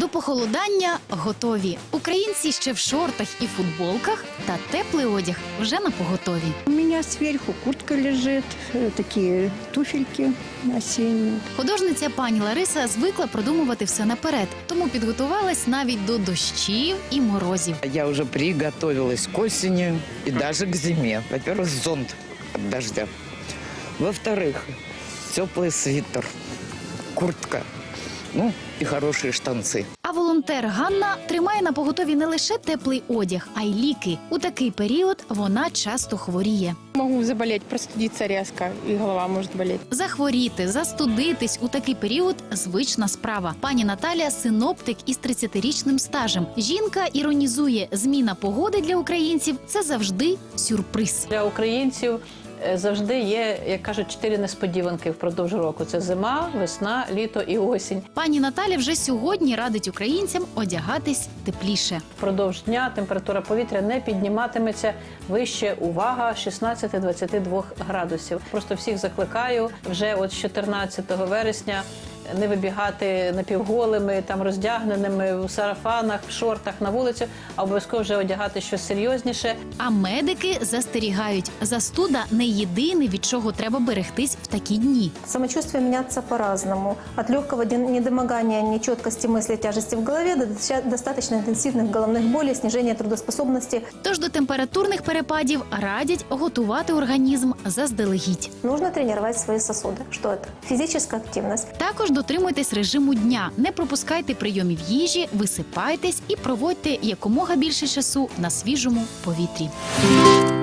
До похолодання готові. Українці ще в шортах і футболках, та теплий одяг вже на поготові. У меня сверху куртка лежит, такие туфельки осенние. Художниця пані Лариса звикла продумувати все наперед, тому підготувалась навіть до дощів і морозів. Я уже приготовилась к осени и даже к зиме. Во-первых, зонт от дождя. Во-вторых, теплый свитер, куртка, ну и хорошие штанцы. А волонтер Ганна тримає на поготові не лише теплий одяг, а й ліки. У такий період вона часто хворіє. Могу заболеть, простудиться резко, и голова может болеть. Захворіти, застудитись у такий період – звична справа. Пані Наталія – синоптик із 30-річним стажем. Жінка іронізує, зміна погоди для українців – це завжди сюрприз. Для українців завжди є, як кажуть, 4 несподіванки впродовж року. Це зима, весна, літо і осінь. Пані Наталя вже сьогодні радить українцям одягатись тепліше. Впродовж дня температура повітря не підніматиметься вище, увага, 16-22 градусів. Просто всіх закликаю вже от з 14 вересня не вибігати напівголими, там роздягненими, в сарафанах, в шортах на вулицю, а обов'язково вже одягати щось серйозніше. А медики застерігають, застуда не єдине, від чого треба берегтись в такі дні. Самочувствие меняется по-разному. От легкого недомогания, нечеткости мысли, тяжести в голове до достаточно интенсивных головных болей, снижения трудоспособности. Тож до температурних перепадів радять готувати організм заздалегідь. Нужно тренировать свои сосуды. Что это? Физическая активность. Також дотримуйтесь режиму дня, не пропускайте прийомів їжі, висипайтесь і проводьте якомога більше часу на свіжому повітрі.